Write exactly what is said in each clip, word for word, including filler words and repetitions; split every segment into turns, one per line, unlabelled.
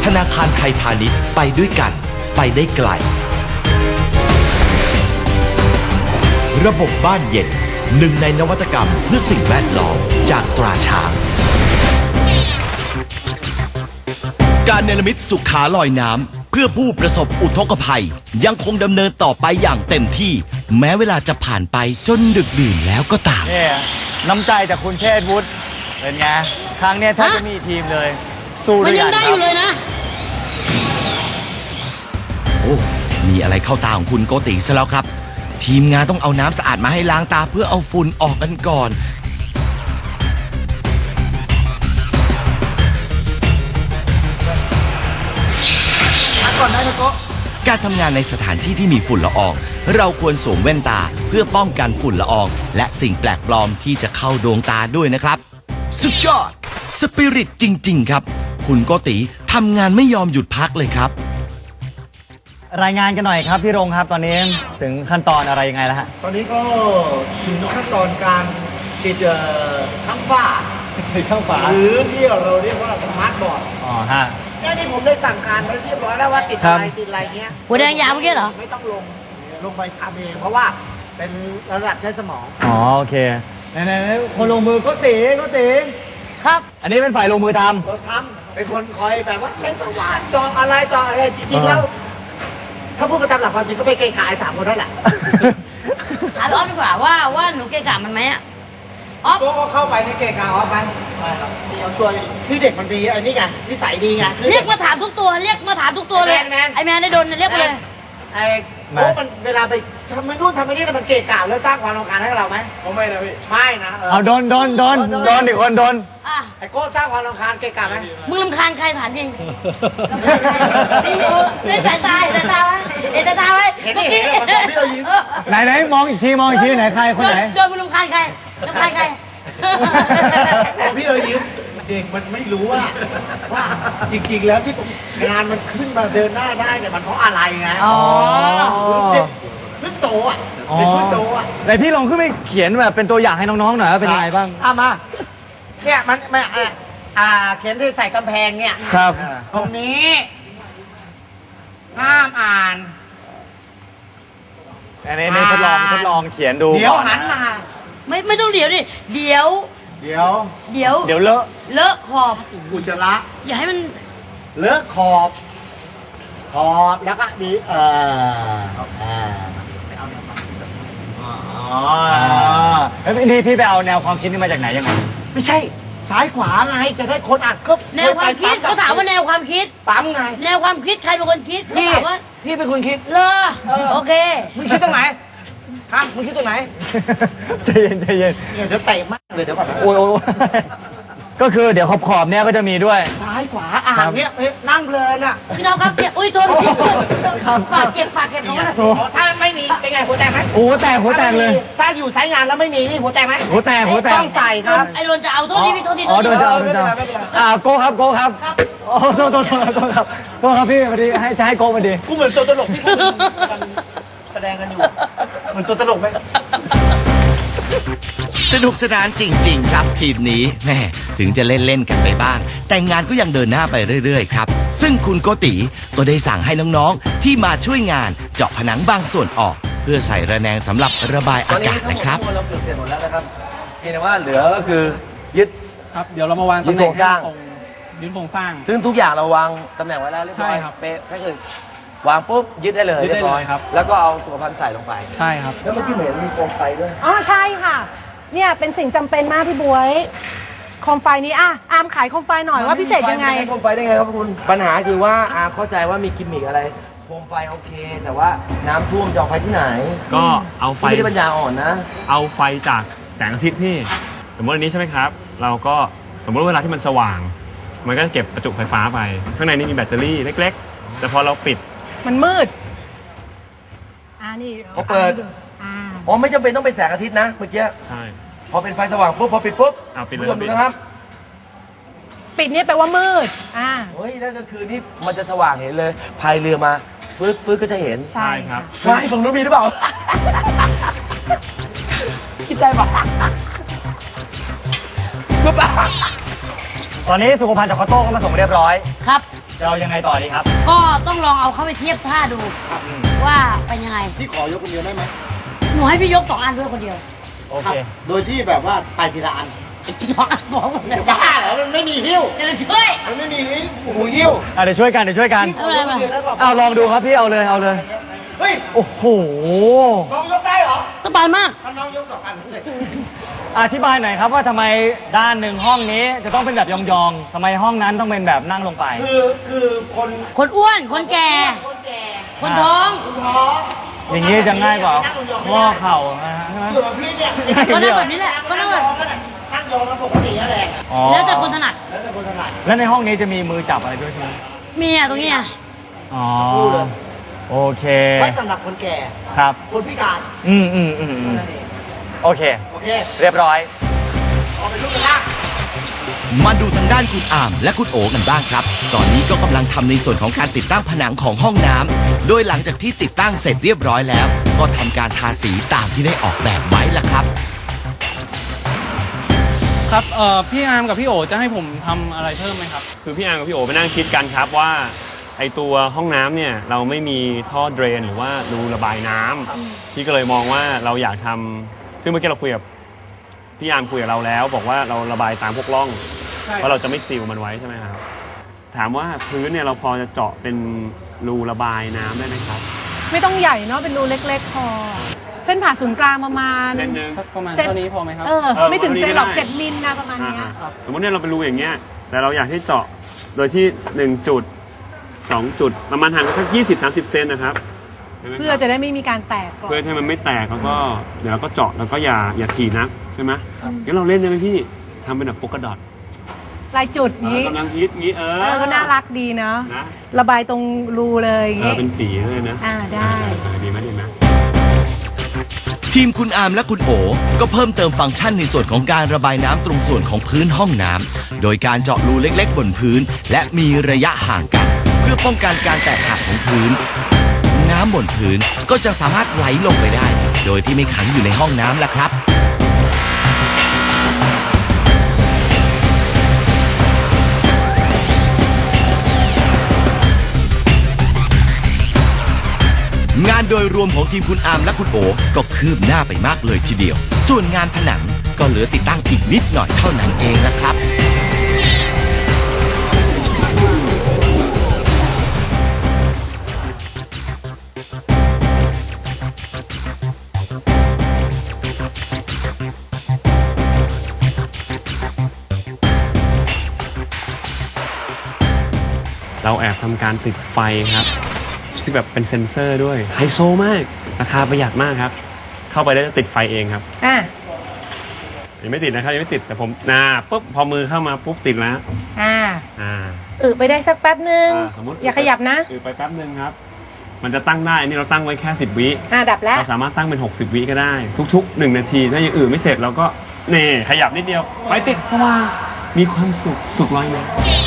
ธนาคารไทยพาณิชย์ไปด้วยกันไปได้ไกลระบบบ้านเย็นหนึ่งในนวัตกรรมเพื่อสิ่งแวดล้อมจากตราช้างการเนรมิตสุขาลอยน้ำเพื่อผู้ประสบอุทกภัยยังคงดำเนินต่อไปอย่างเต็มที่แม้เวลาจะผ่านไปจนดึกดื่นแล้วก็ตาม
เนี่ยน้ำใจจากคุณเชษฐ์วุฒิเป็นไงครั้งนี้ถ้าจะมีทีมเลยสู้ด้วยกันครับมันยังได้อยู่เลยนะ
โอ้มีอะไรเข้าตาของคุณโกติซะแล้วครับทีมงานต้องเอาน้ำสะอาดมาให้ล้างตาเพื่อเอาฝุ่นออกกันก่อน
ก่อนได้นะโก
การทำงานในสถานที่ที่มีฝุ่นละอองเราควรสวมแว่นตาเพื่อป้องกันฝุ่นละอองและสิ่งแปลกปลอมที่จะเข้าดวงตาด้วยนะครับสุดยอดสปิริตจริงๆครับคุณโกติทำงานไม่ยอมหยุดพักเลยครับ
รายงานกันหน่อยครับพี่รงครับตอนนี้ถึงขั้นตอนอะไรยังไงแล้วฮะ
ตอนนี้ก็ถึงขั้นตอนการติดทั้งฝ้า
ติดทั้งฝา
หรือที่เราเรียกว่าสมาร์ทบอร์ด
อ๋อฮะ
เนี่ยนี่ผมได้สั่งการไว้เรียบร้อยแล้วว่าติดอะไรติดอะไรเงี้ย
หัวแดงยาวเมื่อกี้เหรอ
ไม่ต้องลงลงไปทำเองเพราะว่าเป็นระดับใช้สมอง
อ๋อโอเคไหนๆคนลงมือก็ตีก็ตี
ครับ
อันนี้เป็นฝ่ายลงมือทำ
เราทำเป็นคนคอยแบบว่าใช้สว่านจองอะไรจองอะไรจริงๆแล้วถ้าพูดมาตามหลักความจริงก็ไปเกะกะไอ้สามคนนั่นแหละ
ถามออฟดีกว่าว่าว่าหนูเกะกะมันไหมอ่ะ
ออฟก็เข้าไปในเกะกะออฟไปไปครับเดี๋ยวช่วยคือเด็กมันดีอันนี้ไงนิสัยดีไง
เรียกมาถามทุกตัวเรียกมาถามทุกตัวเลยไอแมนได้โดนเรียกมาเลย
ไอ้โอ้มันเวลาไปทำมันนู่นทำมันนี่มันเกะกะแล้วสร้างความรำคาญให้เราไหมผมไม่นะพี่ไม่นะ
เอาโดนโดนโดนโดนอีกคนโดน
ไอ้โก้สร้างความรำคาญเกะกะไหม
มึงรำคาญใครถามจริงนี่สายตาสายตาไว้เห็นสายตาไว้
เห็นนี่เห็นพี่เรายิ้ม
ไหนไหนมองอีกทีมองอีกทีไหนใครคนไหน
โดนมึงรำคาญใครรำคาญใคร
พี่เรายิ้มเด็กมันไม่รู้ว่าว่าจริงๆแล้วที่งานมันขึ้นมาเดินหน้าได้เนี่ยมันเพราะอะไรไง
อ๋อ
เด็กเพิ่งโตอ่ะเด็กเพิ่งโตอ่ะ
ไหนพี่ลองขึ้นไปเขียนแบบเป็นตัวอย่างให้น้องๆหน่อยว่าเป็นยังไงบ้าง
อ่ะมาเนี่ยมันไม่อ่าเขียนที่ใส่กำแพงเนี่ย
ครับ
ตรงนี้ห้ามอ่าน
อันนี้ทดลองทดลองเขียนดู
เดี๋ยวหันมา
ไม่ไม่ต้องเดี๋ยวดิเดี๋ยว
เดี๋ยว
เดี๋ยว
เดี๋ยวเลอะ
เลอะขอบ
อุจจาระ
อย่าให้มัน
เลอะขอบขอบแล้วก็ดีเอออ่า
อ๋อแล้วนี่พี่ไปเอาแนวความคิดนี้มาจากไหนยังไง
ไม่ใช่ซ้ายขวาไงจะได้คนอ่านก็
แนวความคิดเขาถามว่าแนวความคิด
ปั๊มไง
แนวความคิดใครเป็นคนคิด
พี่พี่เป็นคนคิด
เลอโอเค
มึงคิดตรงไหนฮะมึงคิดตรงไหน
ใจเย็นใจเย็น
เดี๋ยวเตะมากเลยเดี๋ยวก่อน
โอ้ยโอ้ยก็คือเดี๋ยวขอบขอบเนี้ยก็จะมีด้วย
ซ้ายขวาอ่านเนี้ยนั่งเพลินอ่ะ
พี่น้องครับเจ็บอุ้ยโทษพี่ฝากเก็บฝากเก็บของมัน
ถ้าไม่มีเป็นไงหัวแตกไหม
โอ้แตกหัวแตกเลย
ถ้าอยู่สายงานแล้วไม่มีนี่หัวแตกไหม
หัวแตกหัวแตก
ต้องใส่ครับ
ไอ้โดนจะเอาโทษที่พี่โทษที่
อ๋อโดนจะเอาโดนจะเอาอ่าโก้ครับโก้ครับโอ้โทษโทษโทษโทษครับโทษครับพี่พอดีให้จะให้โก้พอดี
กูเหมือนตัวตลกที่แสดงกันอยู่เหมือนตัวตลกไหม
สนุกสนานจริงๆครับทีมนี้แม่ถึงจะเล่นๆกันไปบ้างแต่งานก็ยังเดินหน้าไปเรื่อยๆครับซึ่งคุณโกติก็ได้สั่งให้น้องๆที่มาช่วยงานเจาะผนังบางส่วนออกเพื่อใส่ระแนงสำหรับระบายอากาศนะครับ
ตอนนี้เราเกือบเสร็จหมดแล้วนะครับเพียงแต่ว่าเหลือก็คือยึด
ครับเดี๋ยวเรามาวาง
ตำแหน่งโครงสร้าง
ยึดโครงสร้าง
ซึ่งทุกอย่างเราวางตำแหน่งไว้แล้วเรียบร้อยเป๊ะก็คือวางปุ๊บยึดได้เลยเรียบร้อยครับแล้วก็เอาสุขภัณฑ์ใส่ลงไป
ใช่ครับ
แล้วเมื่อกี้เห็นมีโคมไฟด้วย
อ๋อใช่ค่ะเนี่ยเป็นสิ่งจำเป็นมากพี่บ๊วยโคมไฟนี้อ่ะอาร์มขายโคมไฟหน่อยว่าพิเศษยังไง
โคมไฟได้ไงครับคุณปัญหาคือว่าอาร์มเข้าใจว่ามีกิมมิคอะไรโคมไฟโอเคแต่ว่าน้ำท่วมจะเอาไฟที่ไหน
ก็เอาไฟ
ไม่ได้ปัญญาอ่อนนะ
เอาไฟจากแสงอาทิตย์นี่สมมติอันนี้ใช่ไหมครับเราก็สมมติเวลาที่มันสว่างมันก็จะเก็บประจุไฟฟ้าไปข้างในนี่มีแบตเตอรี่เล็กๆแต่พอเราปิด
มันมืดอ่านี่
พอเปิดอ๋อไม่จำเป็นต้องเป็นแสงอาทิตย์นะเมื่อกี้
ใช่
พอเป็นไฟสว่างปุ๊บพอปิดปุ๊บ
ผู้
ชมดูนะครับ
ปิดนี่แปลว่ามืดอ่า
เฮ้ยนั่นก็คือนี่มันจะสว่างเห็นเลยพายเรือมาฟื้นฟื้นก็จะเห็น
ใช่ครับ
ใช่ฝั่งนู้นมีหรือเปล่าคิดได้ปะคือปะ
ตอนนี้สุขภัณฑ์จากคอโต้ก็มาส่งเรียบร้อย
ครับ
จะเอายังไงต่อดีครับ
ก็ต้องลองเอาเข้าไปเทียบท่าดูว่าเป็นยังไง
พี่ขอยกคนเดียวได้ไหม
หนูให้พี่ยกสองอันด้วยคนเดียว
โอ
ครั
เค
บโดยที่แบบว่าไปทีละอัน
สองอันบอกหมดเลย
บ้าเหรอมันไม่มีหิ้ว
เดี๋ยวเราช่วย
มันไม่มีหูหิ้ว
อ่ะเดี๋ยวช่วยกันเดี๋ยวช่วยกัน
เอาเลยมา
เอาลองดูครับพี่เอาเลยเอาเลย
เฮ้ย
โอ้โห
น้องยกได้เหรอ
สบายมาก
ถ้าน้องยกสองอัน
อธิบายหน่อยครับว่าทำไมด้านหนึ่งห้องนี้จะต้องเป็นแบบยองๆทำไมห้องนั้นต้องเป็นแบบนั่งลงไป
คือคือคน
คนอ้วนคนแก่ คนท้อง
ท้อง
อย่างนี้จะง่ายกว่าข้อเข่านะฮะใช่ไหม
ส่วนพี่เนี่ย
ก็นั่งแบบนี้แหละก็นั่งแบบ
นั่งยองแล้วปกตินั่นแหละ
อ๋อ
แล้วแต่คนถนัด
แล้วแต่คนถนัด
แล้วในห้องนี้จะมีมือจับอะไรด้วยใช่ไหม
มีอ่ะตรงนี้อ่ะ
อ๋อ
พูดเลย
โอเค
ไว้สำหรับคนแก่
ครับ
คนพิการ
อืมอืมอืมอืม
นั่นเอง
โอเค
โอเค
เรียบร้อย
เอาไปลูกกันล่าง
มาดูทางด้านคุณอามและคุณโอกันบ้างครับ ตอนนี้ก็กำลังทำในส่วนของการติดตั้งผนังของห้องน้ำโดยหลังจากที่ติดตั้งเสร็จเรียบร้อยแล้ว ก็ทำการทาสีตามที่ได้ออกแบบไว้ล่ะครับ
ครับเอ่อพี่อาร์มกับพี่โอจะให้ผมทำอะไรเพิ่มไหมครับ
คือพี่อาร์มกับพี่โอไปนั่งคิดกันครับว่าไอตัวห้องน้ำเนี่ยเราไม่มีท่อเดรนหรือว่ารูระบายน้ำพี่ก็เลยมองว่าเราอยากทำซึ่งเมื่อกี้เราคุยกับพี่อาร์มคุยกับเราแล้ว บอกว่าเราระบายตามพวกร่อง
ใช่
ว่าเราจะไม่ซีลมันไว้ใช่ไหมครับถามว่าพื้นเนี่ยเราพอจะเจาะเป็นรูระบายน้ำได้ไหมครับ
ไม่ต้องใหญ่เนาะเป็นรูเล็กๆพอ เส้นผ่าศูนย์กลางประมาณ
เส้นหนึ่ง
สักประมาณ
เส้น
เท่านี้พอไหมครับ
เออ
เออ
ไม่ถึงเซนหรอก
ประมาณนี้ก็ได้
เจ็ดมิลนะประมาณเนี้ย
อ่าๆสมมติเนี่ยเราเป็นรูอย่างเงี้ยแต่เราอยากให้เจาะโดยที่หนึ่งจุดสองจุดประมาณห่างกันสักยี่สิบสามสิบเซนนะครับห็นไหมครับ
เพื่อจะได้ไม่มีการแตกก่อน
เพื่อให้มันไม่แตกแล้วก็เดี๋ยวเราก็เจาะแล้วก็อย่าอย่าถี่นักใช่ไหมงั้นเราเล่นได้ไหมพี่ทำเป็นแบบโปกกระดอท
ลายจุดนี้
กำลังฮิตงี้เออ
เออก็น่ารักดีเนาะ
นะ
ระบายตรงรูเลยอย่าง
เออ
เงี้ย
เป็นสีเลยนะ
อ่าได้
เออดีไหมดีไหม
ทีมคุณอามและคุณโอ ก็เพิ่มเติมฟังก์ชันในส่วนของการระบายน้ำตรงส่วนของพื้นห้องน้ำโดยการเจาะรูเล็กๆบนพื้น และมีระยะห่างกัน เพื่อป้องกันการแตกหักของพื้น น้ำบนพื้นก็จะสามารถไหลลงไปได้ โดยที่ไม่ขังอยู่ในห้องน้ำล่ะครับ งานโดยรวมของทีมคุณอาร์มและคุณโอ ก็คืบหน้าไปมากเลยทีเดียว ส่วนงานผนังก็เหลือติดตั้งอีกนิดหน่อยเท่านั้นเองละครับ
เราแอบทำการติดไฟครับที่แบบเป็นเซ็นเซอร์ด้วยไฮโซมากราคาประหยัดมากครับ เข้าไปแล้วจะติดไฟเองครับ
อ่ะ
ยังไม่ติดนะครับยังไม่ติดแต่ผมนาปุ๊บพอมือเข้ามาปุ๊บติดแล้ว
อ่า
อ่า
เออไปได้สักแป๊บนึง
อ่าสมมติ
อย่าขยับนะ
คือไปแป๊บนึงครับ มันจะตั้งได้อันนี้เราตั้งไว้แค่สิบวิ
อ่าดับแล้ว
เราสามารถตั้งเป็นหกสิบวิก็ได้ ทุกๆหนึ่งนาทีถ้าอย่างอื่นไม่เสร็จเราก็เน่ขยับนิดเดียวไฟติดสว่างมีความสุขสุขลอยมา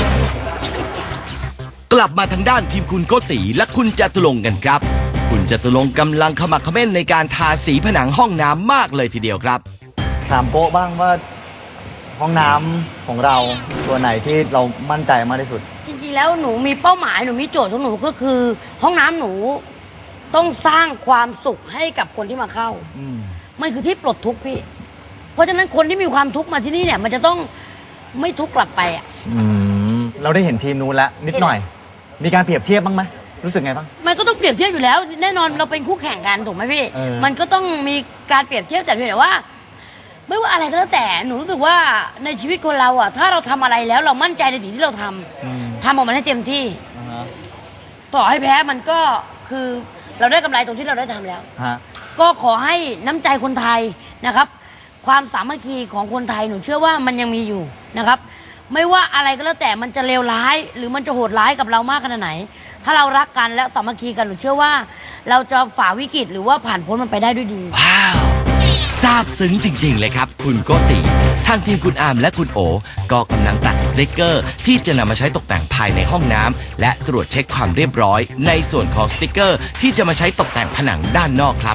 กลับมาทางด้านทีมคุณโกติและคุณจตุรงค์กันครับ คุณจตุรงค์กำลังขมักเขม้นในการทาสีผนังห้องน้ำมากเลยทีเดียวครับ
ถามโป๊ะบ้างว่าห้องน้ำของเราตัวไหนที่เรามั่นใจมากที่สุด
จริงๆแล้วหนูมีเป้าหมายหนูมีโจทย์ของหนูก็คือ ห้องน้ำหนูต้องสร้างความสุขให้กับคนที่มาเข้า
อืม
มันคือที่ปลดทุกข์พี่ เพราะฉะนั้นคนที่มีความทุกข์มาที่นี่เนี่ย มันจะต้องไม่ทุกข์กลับไปอ่ะ
อืมเราได้เห็นทีมนู้นแล้วนิดหน่อย มีการเปรียบเทียบบ้างไหมรู้สึกไงบ้าง
มันก็ต้องเปรียบเทียบอยู่แล้ว แน่นอนเราเป็นคู่แข่งกันถูกไหมพี่
เออ
มันก็ต้องมีการเปรียบเทียบแต่เพียงแต่ว่า ไม่ว่าอะไรก็แล้วแต่หนูรู้สึกว่าในชีวิตคนเราอ่ะ ถ้าเราทำอะไรแล้วเรามั่นใจในสิ่งที่เราทำ
อืม
ทำออกมาให้เต็มที่
อ่าฮะ
ต่อให้แพ้มันก็คือเราได้กำไรตรงที่เราได้ทำแล้ว
ฮะ
ก็ขอให้น้ำใจคนไทยนะครับ ความสามัคคีของคนไทยหนูเชื่อว่ามันยังมีอยู่นะครับ ไม่ว่าอะไรก็แล้วแต่มันจะเลวร้าย หรือมันจะโหดร้ายกับเรามากขนาดไหน ถ้าเรารักกันและสามัคคีกันหนูเชื่อว่า เราจะฝ่าวิกฤตหรือว่าผ่านพ้นมันไปได้ด้วยดี
ว้าวซาบซึ้งจริง ๆ เลยครับ คุณโกติ ทางทีมคุณอาร์มและคุณโอ ก็กำลังตัดสติกเกอร์ ที่จะนำมาใช้ตกแต่งภายในห้องน้ำและตรวจเช็คความเรียบร้อย ในส่วนของสติกเกอร์ ที่จะมาใช้ตกแต่งผนังด้านนอกครับ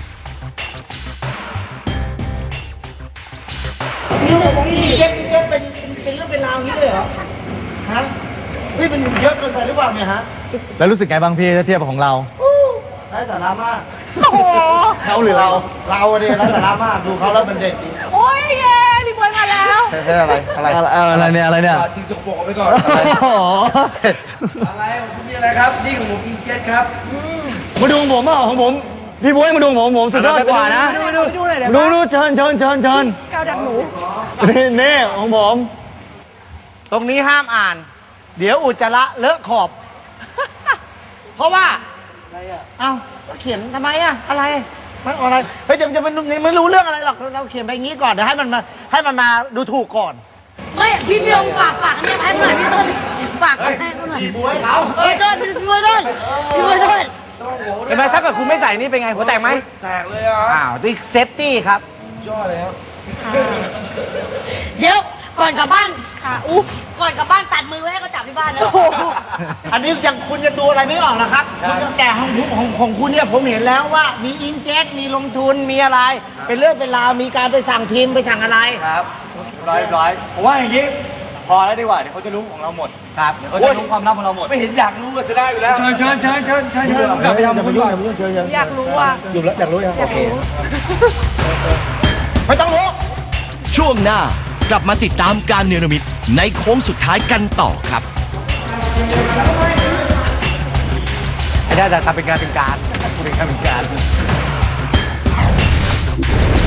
นี่เจ๊เจ๊เป็นเป็นเรื่องเป็นราวนี้เลยเหรอ ฮะเฮ้ยมันเยอะเกินไปหรือเปล่าเนี่ยฮะ
แล้วรู้สึกไงบ้างพี่ถ้าเทียบกับของเรา
ไร้สาระมาก
โอ้โห
เขาหรือเรา เราเนี่ยไร้สาระมากดูเขาแล้วมันเด็ดดี
โอ้ยเย้พี่บวยมาแล้ว
ใช่อะไรอะไร
อะไรเนี่ยอะไรเนี่ย
สิ่งสกปรกเอาไปก่อน
อะไรโอ้โห
อะไรของคุณนี่อะไรครับนี่ของผมอินเจ็ตครับ
มาดูของผมอ่ะของผมพี่บ๊วยมาดูของผมผมสุดยอดกว่านะ
ไปดูไปดูหน่อยเดี๋ยว
ดูดูเชิญเชิญเชิญเชิญ
แก้วดักหนู
นี่นี่ของผม
ตรงนี้ห้ามอ่าน เดี๋ยวอุจจาระเลอะขอบ เพราะว่าอะไรอ่ะเอ้าเขียนทำไมอ่ะอะไรมันอะไรเฮ้ยจะจะมันไม่รู้เรื่องอะไรหรอกเราเขียนไปอย่างนี้ก่อนเดี๋ยวให้มันมาให้มันมาดูถูกก่อน
ไม่พี่พี่ลงฝากฝากเนี่ยให้หน่อยพี่ต้นฝากให้เขาหน่อย
พี่บ๊วยเขา
พี่ต้นพี่ต้นพี่ต้นพี่ต้น
เห็นไหมถ้าเกิดคุณไม่ใส่นี่เป็นไงหัวแตกไหม
แตกเลยอ่ะ
อ้าวนี่เซฟตี้ครับ
จ้อเลยครับ
เดี๋ยวก่อนกลับบ้านค่ะอู้ก่อนกลับบ้านตัดมือไว้ให้เขาจับที่บ้านนะ
อันนี้ยังคุณยังดูอะไรไม่ออกนะครับคุณยังแต่ของผมของของคุณเนี่ยผมเห็นแล้วว่ามีอินเจ็ตมีลงทุนมีอะไร เป็นเรื่องเป็นราวมีการไปสั่งพิมพ์ไปสั่งอะไร
ครับร้อยร้อยผมว่าอย่างนี้พอแล้วดีกว่าเดี๋ยวเขาจะรู้ของเราหมด
ครับ
เดี๋ยวเขาจะรู้ความลับของเราหมด
ไม่เห็นอยากรู้ก็จะได้อยู่แล้ว
เชิญเชิญเชิญเชิญเชิญเชิญกลับไปทำบุญก่อน
อยากรู้อ่ะ
อยู่แล้วอยากรู้ยัง
อยากรู้
ไม่ต้องรู้
ช่วงหน้ากลับมาติดตามการเนรมิตในโค้งสุดท้ายกันต่อครับ
ไอ้ได้แต่ทำเป็นงานเป็นการเป็นงานเป็นการ